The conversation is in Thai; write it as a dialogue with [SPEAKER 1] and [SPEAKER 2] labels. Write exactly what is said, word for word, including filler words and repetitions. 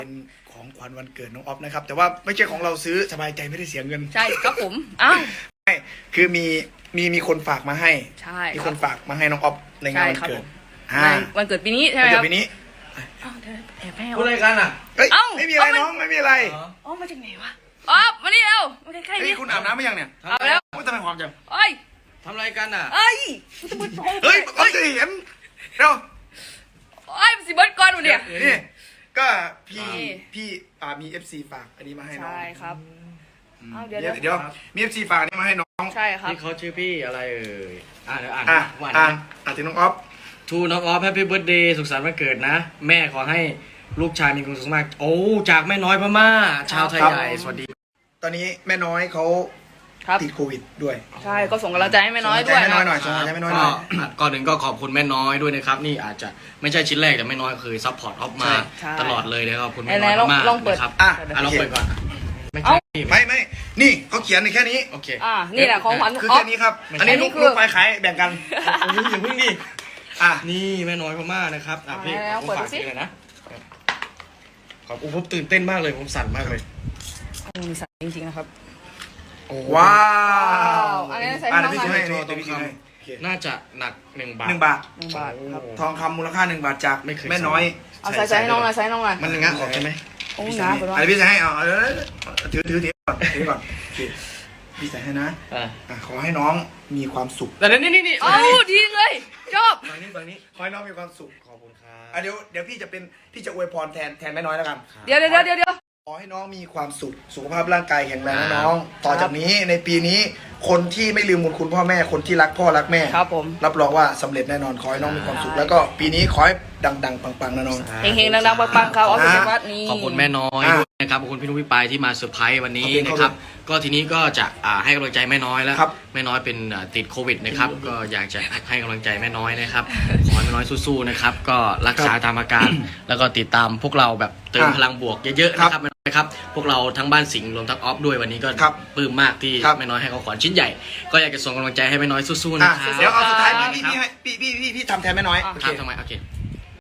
[SPEAKER 1] เป็นของขวัญวันเกิดน้องออฟนะครับแต่ว่าไม่ใช่ของเราซื้อสบายใจไม่ได้เสียเงิน
[SPEAKER 2] ใช่ครับผมอ้าว
[SPEAKER 1] ใช่คือมีมีมีคนฝากมาให้
[SPEAKER 2] ใช่
[SPEAKER 1] มี
[SPEAKER 2] ค
[SPEAKER 1] ครับ นฝากมาให้น้องออฟในงานวัน
[SPEAKER 2] ใช่ครับ
[SPEAKER 1] เกิด
[SPEAKER 2] ผม
[SPEAKER 1] อ่า
[SPEAKER 2] วันเกิดปีนี้ใช่ไหม
[SPEAKER 1] วัน
[SPEAKER 2] ค
[SPEAKER 1] เกิ
[SPEAKER 2] รับ
[SPEAKER 1] ดปีนี้
[SPEAKER 2] อ้าวเดี๋ยวแอบให้
[SPEAKER 3] พูดอะไรกันอ่ะ
[SPEAKER 1] เอ้ย
[SPEAKER 2] เอ้า
[SPEAKER 1] ไม่มีอะไร
[SPEAKER 2] เอามัน
[SPEAKER 1] น้องไม่มีอะไร
[SPEAKER 2] อ๋อมาจากไหนวะอ๋อมานี่เร็วมาใกล้ๆ
[SPEAKER 1] เฮ้ย
[SPEAKER 2] นี่
[SPEAKER 1] คุณอาบน้ำไหมยังเนี่ย
[SPEAKER 2] เอาแล้ว
[SPEAKER 1] โอ้ยทำไมหอมจัง
[SPEAKER 2] เอ้ย
[SPEAKER 3] ทำอะไรกันอ่ะ
[SPEAKER 2] เอ้ยมันจะเบิด
[SPEAKER 1] เฮ้ยออฟจะเห็นเร็ว
[SPEAKER 2] เอ้ยมันสิเบิดก่อนวันเนี้ย
[SPEAKER 1] นี่ก็พี่
[SPEAKER 2] นี่
[SPEAKER 1] พี่อ่ามี เอฟ ซี ฝากอันนี้มาให้น้อง
[SPEAKER 2] ใช่ครับ
[SPEAKER 1] อืม
[SPEAKER 2] อ้าวเดี๋ยว
[SPEAKER 1] เดี๋ยวเดี๋ยวมี เอฟ ซี ฝากอันนี้มาให้น้อง
[SPEAKER 2] ใช่ครับ
[SPEAKER 3] นี่เขาชื่อพี่อะไรเอ่ยอ่านเดี๋ยวอ่าน
[SPEAKER 1] อ่ะ
[SPEAKER 3] วัน
[SPEAKER 1] อ่ะ
[SPEAKER 3] นี้
[SPEAKER 1] อ่ะถึงน้องออฟ
[SPEAKER 3] ทูน้องออฟแฮปปี้เบิร์ดเดย์สุขสันต์วันเกิดนะ แม่ขอให้ลูกชายมีความสุขมาก โอ้จากแม่น้อยพม่า ชาวไทยใหญ่สวัสดี
[SPEAKER 1] ตอนนี้แม่น้อยเขา
[SPEAKER 2] ครับ
[SPEAKER 1] ติดโควิดด้วย
[SPEAKER 2] ใช่ก็ส่งกำลังใจให้แม่น้อยด้วย
[SPEAKER 1] ส่งกำลังใจให้แม่น้อยหน่
[SPEAKER 2] นะ
[SPEAKER 1] อย ส่งกำลังใจให้แม่น้อยหน่อย
[SPEAKER 3] ก็ก่อนหนึ่งก็ขอบคุณแม่น้อยด้วยนะครับ นี่อาจจะไม่ใช่ชิ้นแรกแต่แม่น้อยเคยซัพพอร์ตออฟมา
[SPEAKER 2] ใช่
[SPEAKER 3] ตลอดเลยนะครับขอบคุณ
[SPEAKER 2] ไห
[SPEAKER 3] แม่
[SPEAKER 2] น
[SPEAKER 3] น้อย
[SPEAKER 2] ๆลอง
[SPEAKER 3] มาก
[SPEAKER 2] ลองเปิด
[SPEAKER 3] นะครับ
[SPEAKER 1] อ่ะ
[SPEAKER 3] อ่ะลองเปิดก่อนไม่
[SPEAKER 2] เอ้า
[SPEAKER 3] ใช่
[SPEAKER 1] ไม่ไม่นี่เขาเขียนในแค่นี้
[SPEAKER 3] โอเค
[SPEAKER 2] อ่านี่แหละของขวัญ
[SPEAKER 1] คือ
[SPEAKER 2] ออ
[SPEAKER 1] แค่
[SPEAKER 2] ฟ
[SPEAKER 1] นี้ครับ
[SPEAKER 3] ไม่ใช่
[SPEAKER 1] อันนี้
[SPEAKER 2] อันนี้
[SPEAKER 1] ลูก
[SPEAKER 2] คือ
[SPEAKER 1] ลูกไฟขายแบ่งกัน
[SPEAKER 3] โอ้ยอย่าเพิ่งดิ
[SPEAKER 1] อ่ะ
[SPEAKER 3] นี่แม่น้อยพม่านะครับอ่ะพี่
[SPEAKER 2] เอาแล้ว
[SPEAKER 3] ผม
[SPEAKER 2] เปิด
[SPEAKER 3] ฝาก
[SPEAKER 2] ดูสิ
[SPEAKER 3] ทีเลยนะขอบผมตื่นเต้นมากเลยผมสั่นมากเลย
[SPEAKER 2] มีสายจริงๆนะครับ
[SPEAKER 1] ว้า
[SPEAKER 2] วอันนี้ใส่
[SPEAKER 1] อ่ะ
[SPEAKER 2] ให้
[SPEAKER 1] เดี๋ยว
[SPEAKER 2] น้
[SPEAKER 1] พี่
[SPEAKER 2] อง
[SPEAKER 1] ซื้อให้
[SPEAKER 2] หน่อย
[SPEAKER 1] เดี๋ยวพี่ซื้อให้โอเค
[SPEAKER 3] น่าจะหนักหนึ่งบาท
[SPEAKER 1] หนึ่งบาท
[SPEAKER 2] หนึ่งบาทครับ
[SPEAKER 1] ทองคำมูลค่าหนึ่งบาทจาก
[SPEAKER 3] ไม่เคย
[SPEAKER 1] แม่น้อย
[SPEAKER 2] เอาใส่ใส่ให้น้องหน่อยใส่ให้น้องหน่อย
[SPEAKER 3] มันงะออกใช่ไหม
[SPEAKER 2] โอ้
[SPEAKER 1] พี่
[SPEAKER 2] ห
[SPEAKER 1] ใส่
[SPEAKER 2] นา
[SPEAKER 1] ให้
[SPEAKER 2] ไปด้วย
[SPEAKER 1] อันนี้พี่ใส่ให้เอาเอาเอาเอาถือถือถือก่อนถือก่อนโอเคพี่ใส่ให้นะ
[SPEAKER 3] อ่า
[SPEAKER 1] อ่ะขอให้น้องมีความสุข
[SPEAKER 3] แต่นี่นี่นี่
[SPEAKER 2] เอ้าดีเลยชอบ
[SPEAKER 3] ฝั่งนี้ฝั่งนี้
[SPEAKER 1] ขอให้น้องมีความสุข
[SPEAKER 3] ขอบคุณครั
[SPEAKER 1] อ่ะ
[SPEAKER 3] บ
[SPEAKER 1] เดี๋ยวเดี๋ยวพี่จะเป็นพี่จะอวยพรแทนแทนแม่น้อยแล้วกัน
[SPEAKER 2] เดี๋ยวเดี๋ยวเดี๋ยวเดี๋ยว
[SPEAKER 1] ขอให้น้องมีความสุข สุขภาพร่างกายแข็งแรงนะ
[SPEAKER 3] ครับ
[SPEAKER 1] น้อง ต่อจากนี้ในปีนี้ คนที่ไม่ลืมบุญคุณพ่อแม่ คนที่รักพ่อรักแม่
[SPEAKER 2] ครับผม
[SPEAKER 1] รับรองว่าสำเร็จแน่นอน ขอให้น้องมีความสุข แล้วก็ปีนี้ขอให้ดังๆ ปังๆนะน้อง
[SPEAKER 2] เฮงๆดังๆปังๆครับออฟฟิศวัดนี้
[SPEAKER 3] ขอบคุณแม่น้อย
[SPEAKER 1] อ่ะ
[SPEAKER 3] ด้วยนะครับขอบคุณพี่นุ้ยพี่ปายที่มาเซอร์ไพรส์วันนี้
[SPEAKER 1] ขอบคุณ
[SPEAKER 3] นะครับ
[SPEAKER 1] ครับ
[SPEAKER 3] ก็ทีนี้ก็จะอ่าให้กำลังใจแม่น้อยแล้ว
[SPEAKER 1] ครับ
[SPEAKER 3] แม่น้อยเป็นอ่าติดโควิดนะครับก็อยากจะให้กำลังใจแม่น้อยนะครับขอให้แม่น้อยสู้ๆนะครับก็รักษาตามอาการ แล้วก็ติดตามพวกเราแบบเติม
[SPEAKER 1] อ่ะ
[SPEAKER 3] พลังบวกเยอะๆนะครับแม่น้อยครับพวกเราทั้งบ้านสิงห์รวมทั้งออฟด้วยวันนี้ก็
[SPEAKER 1] ครับ
[SPEAKER 3] ปลื้มมากที่
[SPEAKER 1] ครับ
[SPEAKER 3] แม่น้อยให้ของขวัญชิ้นใหญ่ ก็อยากจะส่งกำลังใจให้แม่น้อยสู้ๆ
[SPEAKER 1] อ่ะ
[SPEAKER 3] นะครับ
[SPEAKER 1] เดี๋ยวเอาสุดท้าย
[SPEAKER 3] ครับ
[SPEAKER 1] พี่พี่ให้พี่พี่พี่พี่ทำแทนแม่น้อย
[SPEAKER 2] อ่ะ
[SPEAKER 1] โอ
[SPEAKER 3] ค
[SPEAKER 1] เค
[SPEAKER 3] รับทำไมโอเค